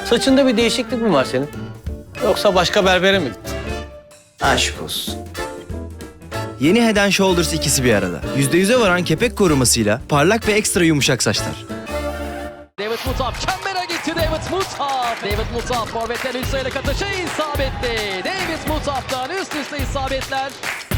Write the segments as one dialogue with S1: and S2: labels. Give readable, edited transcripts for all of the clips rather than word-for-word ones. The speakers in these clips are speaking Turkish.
S1: Saçında bir değişiklik mi var senin? Yoksa başka berbere mi gittin?
S2: Aşk olsun. Yeni Head and Shoulders ikisi bir arada. %100'e varan kepek korumasıyla parlak ve ekstra yumuşak saçlar.
S3: David Mutaf çembere gitti David Mutaf. David Mutaf forvetten üst sayıda katışı isabetli. David Mutaf'tan üst üste isabetler.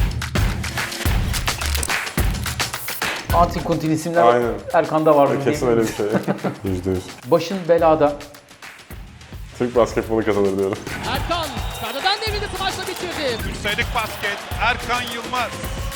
S4: Antikontin isimler
S5: Aynen.
S4: Erkan'da var mı?
S5: Kesin öyle bir şey. %100.
S4: Başın belada.
S5: Türk basketbolu kazanır diyorum.
S3: Erkan kardadan devrildi, smaçla bitirdi.
S6: Sayılık basket Erkan Yılmaz.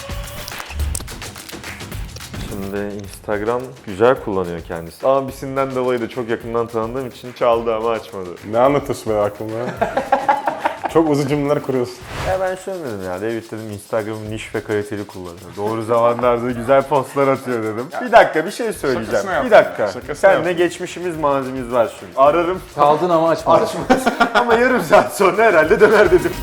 S7: Şimdi Instagram güzel kullanıyor kendisi. Abisinden dolayı da çok yakından tanıdığım için çaldı ama açmadı.
S5: Ne anlatıyorsun benim aklıma ya? Çok uzun cümleler kuruyorsun.
S7: Ya ben şöyle dedim ya, David dedim Instagram'ı niş ve kaliteli kullanıyor. Doğru zamanlarda güzel postlar atıyor dedim. Bir dakika bir şey söyleyeceğim.
S5: Şakasını
S7: Bir
S5: yaptım.
S7: dakika.
S5: Şakasını
S7: Seninle
S5: yaptım.
S7: geçmişimiz mazimiz var şimdi. Ararım
S4: Kaldın ama açmadın.
S7: açmaz ama yarım saat sonra herhalde döner dedim.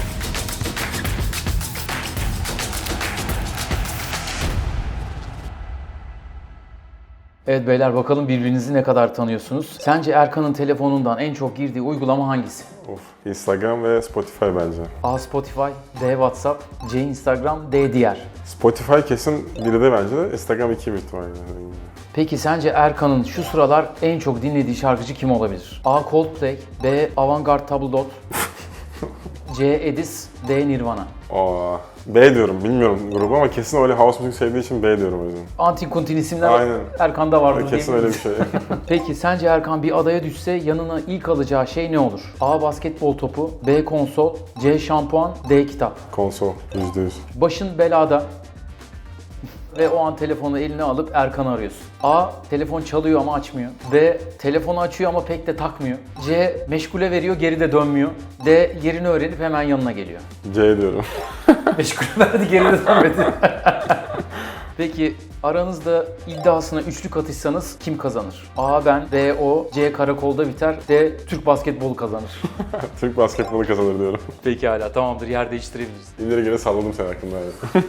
S4: Evet beyler, bakalım birbirinizi ne kadar tanıyorsunuz. Sence Erkan'ın telefonundan en çok girdiği uygulama hangisi?
S5: Of. Instagram ve Spotify bence.
S4: A. Spotify, D. WhatsApp, C. Instagram, D. Diğer.
S5: Spotify kesin biri de bence de. Instagram 2 büyük ihtimalle.
S4: Peki sence Erkan'ın şu sıralar en çok dinlediği şarkıcı kim olabilir? A. Coldplay, B. Avantgarde Tabldot, C. Edis, D. Nirvana.
S5: Aa, B diyorum. Bilmiyorum grubu ama kesin öyle house müzik sevdiği için B diyorum o yüzden.
S4: Antikontin isimler
S5: Aynen.
S4: Erkan'da var mı?
S5: Kesin öyle bir şey.
S4: Peki sence Erkan bir adaya düşse yanına ilk alacağı şey ne olur? A. Basketbol topu, B. Konsol, C. Şampuan, D. Kitap.
S5: Konsol. %100.
S4: Başın belada ve o an telefonu eline alıp Erkan'ı arıyorsun. A. Telefon çalıyor ama açmıyor. B. Telefonu açıyor ama pek de takmıyor. C. Meşgule veriyor, geri de dönmüyor. D. Yerini öğrenip hemen yanına geliyor.
S5: C diyorum.
S4: Meşgule verdi, geri de dönmedi. Peki aranızda iddiasına üçlük atışsanız kim kazanır? A. Ben, B. O, C. Karakolda biter, D. Türk basketbolu kazanır.
S5: Türk basketbolu kazanır diyorum.
S4: Pekala, tamamdır, yer değiştirebiliriz.
S5: İleri geri salladım seni hakkında. Evet.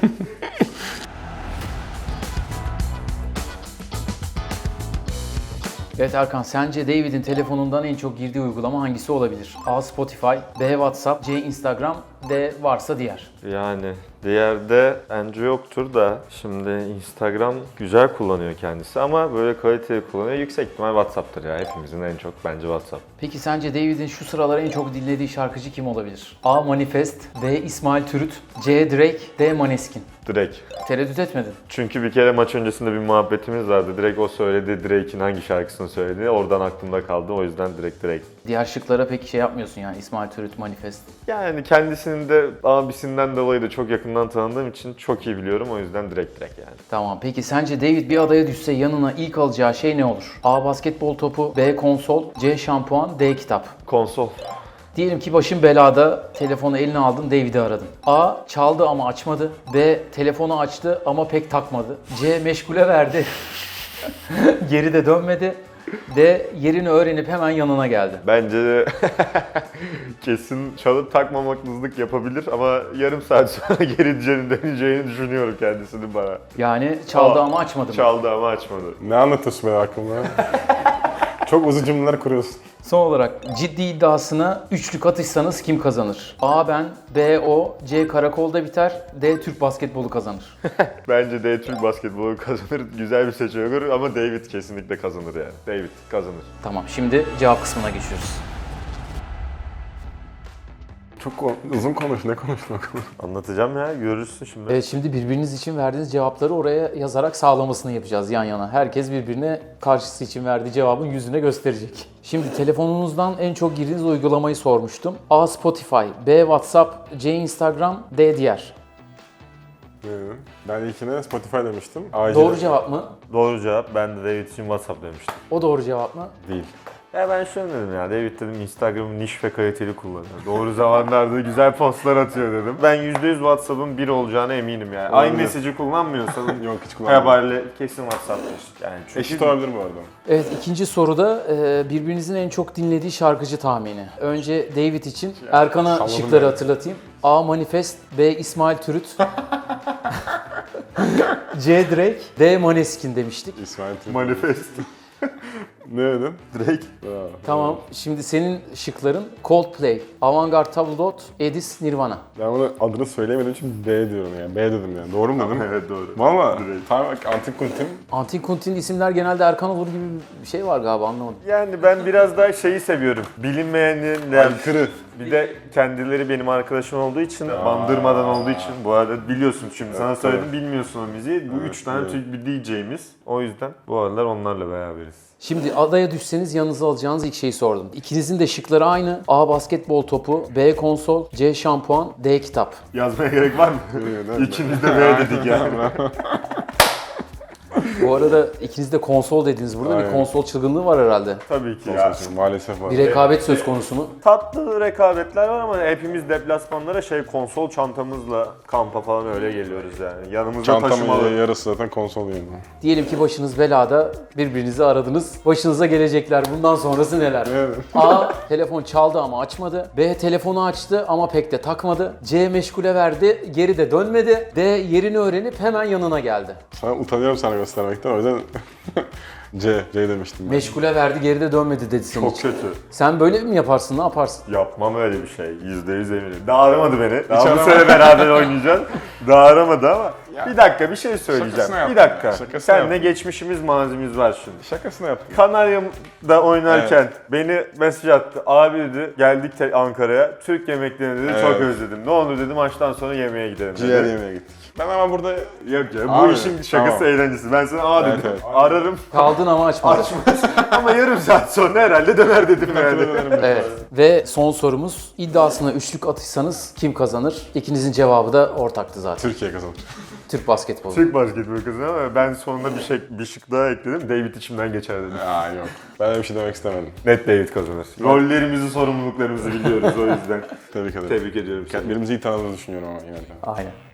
S4: Evet Erkan, sence David'in telefonundan en çok girdiği uygulama hangisi olabilir? A. Spotify, B. WhatsApp, C. Instagram, D. Varsa diğer.
S7: Yani diğerde bence yoktur da şimdi Instagram güzel kullanıyor kendisi ama böyle kaliteli kullanıyor. Yüksek ihtimal WhatsApp'tır ya, hepimizin en çok bence WhatsApp.
S4: Peki sence David'in şu sıralar en çok dinlediği şarkıcı kim olabilir? A. Manifest, B. İsmail Türüt, C. Drake, D. Maneskin.
S7: Direkt.
S4: Tereddüt etmedin.
S7: Çünkü bir kere maç öncesinde bir muhabbetimiz vardı. Direkt o söyledi, Drake'in hangi şarkısını söyledi. Oradan aklımda kaldı. O yüzden direkt Drake.
S4: Diğer şıklara peki şey yapmıyorsun yani, İsmail Türüt, Manifest.
S7: Yani kendisini de abisinden dolayı da çok yakından tanıdığım için çok iyi biliyorum. O yüzden direkt yani.
S4: Tamam, peki sence David bir adaya düşse yanına ilk alacağı şey ne olur? A. Basketbol topu, B. Konsol, C. Şampuan, D. Kitap.
S7: Konsol.
S4: Diyelim ki başın belada, telefonu eline aldın, David'i aradın. A. Çaldı ama açmadı. B. Telefonu açtı ama pek takmadı. C. Meşgule verdi. Geri de dönmedi. D. Yerini öğrenip hemen yanına geldi.
S7: Bence de kesin çalıp takmamaklılık yapabilir ama yarım saat sonra geri döneceğini düşünüyorum kendisinin bana.
S4: Yani çaldı
S7: Aa,
S4: ama açmadı mı?
S7: Çaldı ama açmadı.
S5: Ne anlatıyorsun benim aklıma ya? Çok uzun cümleler kuruyorsun.
S4: Son olarak ciddi iddiasına üçlük atışsanız kim kazanır? A. Ben, B. O, C. Karakolda biter, D. Türk basketbolu kazanır.
S7: Bence de Türk basketbolu kazanır. Güzel bir seçenek olur ama David kesinlikle kazanır yani. David kazanır.
S4: Tamam, şimdi cevap kısmına geçiyoruz.
S5: Çok uzun konuş. Ne konuştun bakalım?
S7: Anlatacağım ya, görürsün şimdi.
S4: Evet, şimdi birbiriniz için verdiğiniz cevapları oraya yazarak sağlamasını yapacağız yan yana. Herkes birbirine karşısı için verdiği cevabın yüzüne gösterecek. Şimdi telefonunuzdan en çok girdiğiniz uygulamayı sormuştum. A. Spotify, B. WhatsApp, C. Instagram, D. Diğer.
S5: Ben ilkine Spotify demiştim. Acil.
S4: Doğru cevap mı?
S7: Doğru cevap. Ben de David için WhatsApp demiştim.
S4: O doğru cevap mı?
S7: Değil. Ya ben şöyle dedim ya, David dedim Instagram'ı niş ve kaliteli kullanıyor. Doğru zamanlarda güzel postlar atıyor dedim. Ben %100 WhatsApp'ın bir olacağına eminim yani.
S5: Olabilir.
S7: iMessage'i kullanmıyorsan
S5: Yok hiç kullanmadım.
S7: haberle kesin WhatsApp'tır. Yani çünkü
S5: Eşit olabilir bu arada.
S4: Evet, ikinci soruda birbirinizin en çok dinlediği şarkıcı tahmini. Önce David için Erkan'a
S5: salladım
S4: şıkları
S5: yani.
S4: hatırlatayım. A. Manifest, B. İsmail Türüt, C. Drake, D. Maneskin demiştik.
S5: İsmail Türk.
S7: manifest.
S5: Ne dedim?
S7: Drake.
S4: Tamam. Şimdi senin şıkların Coldplay, Avantgarde Tabloid, Edis, Nirvana.
S5: Ben bunu adını söyleyemediğim için B diyorum yani. B dedim yani. Doğru mu dedim?
S7: Evet doğru.
S5: Valla. Tamam bak Antik Kuntin.
S4: Antin Kuntin isimler genelde Erkan olur gibi bir şey var galiba, anlamadım.
S7: Yani ben biraz daha şeyi seviyorum. Bilinmeyenin
S5: Aykırı.
S7: bir de kendileri benim arkadaşım olduğu için, bandırmadan olduğu için. Bu arada biliyorsun şimdi sana söyledim, bilmiyorsun o müziği. Bu üç tane Türk bir DJ'miz. O yüzden bu aralar onlarla beraberiz.
S4: Şimdi adaya düşseniz yanınıza alacağınız ilk şeyi sordum. İkinizin de şıkları aynı. A. Basketbol topu, B. Konsol, C. Şampuan, D. Kitap.
S7: Yazmaya gerek var mı? İkimiz de B dedik yani.
S4: Bu arada ikiniz de konsol dediniz. Burada bir
S5: Aynen.
S4: konsol çılgınlığı var herhalde.
S7: Tabii ki ya.
S5: Maalesef var.
S4: Bir rekabet söz konusu mu?
S7: Tatlı rekabetler var ama hepimiz deplasmanlara konsol çantamızla kampa falan öyle geliyoruz yani. Yanımızda taşımalı.
S5: Çantamın yarısı zaten konsol yani.
S4: Diyelim ki başınız belada, birbirinizi aradınız. Başınıza gelecekler. Bundan sonrası neler?
S5: Evet.
S4: A. Telefon çaldı ama açmadı. B. Telefonu açtı ama pek de takmadı. C. Meşgule verdi, geri de dönmedi. D. Yerini öğrenip hemen yanına geldi.
S5: Sana utanıyorum sana göstermekten o yüzden C demiştim ben.
S4: Meşgule verdi, geri de dönmedi dedi senin
S7: Çok
S4: için.
S7: kötü.
S4: Sen böyle mi yaparsın, ne yaparsın?
S7: Yapmam öyle bir şey. %100 eminim. Daha aramadı beni. Daha bu
S5: aramadı.
S7: sene beraber oynayacağız. Daha aramadı ama.
S5: Ya.
S7: Bir dakika bir şey söyleyeceğim.
S5: Şakasına
S7: Bir
S5: yaptım
S7: dakika.
S5: ya, şakasına
S7: Seninle
S5: yaptım.
S7: geçmişimiz mazimiz var şimdi.
S5: Şakasını yaptım.
S7: Kanarya'da oynarken beni mesaj attı. Abi dedi geldik Ankara'ya. Türk yemeklerini dedi çok
S5: Evet.
S7: özledim. Ne oldu dedi maçtan sonra yemeğe gidelim dedi.
S5: Ciğer yemeye gittik. Ben ama burada
S7: Yok ya bu
S5: Abi,
S7: işin şakası
S5: tamam.
S7: eğlencesi. Ben sana dedim.
S5: Evet.
S7: Ararım.
S4: Kaldın ama açmadın.
S7: Ama yarım saat sonra herhalde döner dedim yani.
S4: Evet. Ve son sorumuz, iddiasına üçlük atışsanız kim kazanır? İkinizin cevabı da ortaktı zaten.
S5: Türkiye kazanır.
S4: Türk basketbolu.
S7: Türk basketbol kızı ama ben sonunda bir şık daha ekledim. David içimden geçer dedim.
S5: Aa yok. Ben öyle bir şey demek istemedim.
S7: Net David kazanır. Rollerimizi, sorumluluklarımızı biliyoruz o yüzden.
S5: Tebrik ederim.
S7: Tebrik ediyorum seni.
S5: Birbirimizi iyi tanıdığımızı düşünüyorum ama yine de.
S4: Aynen.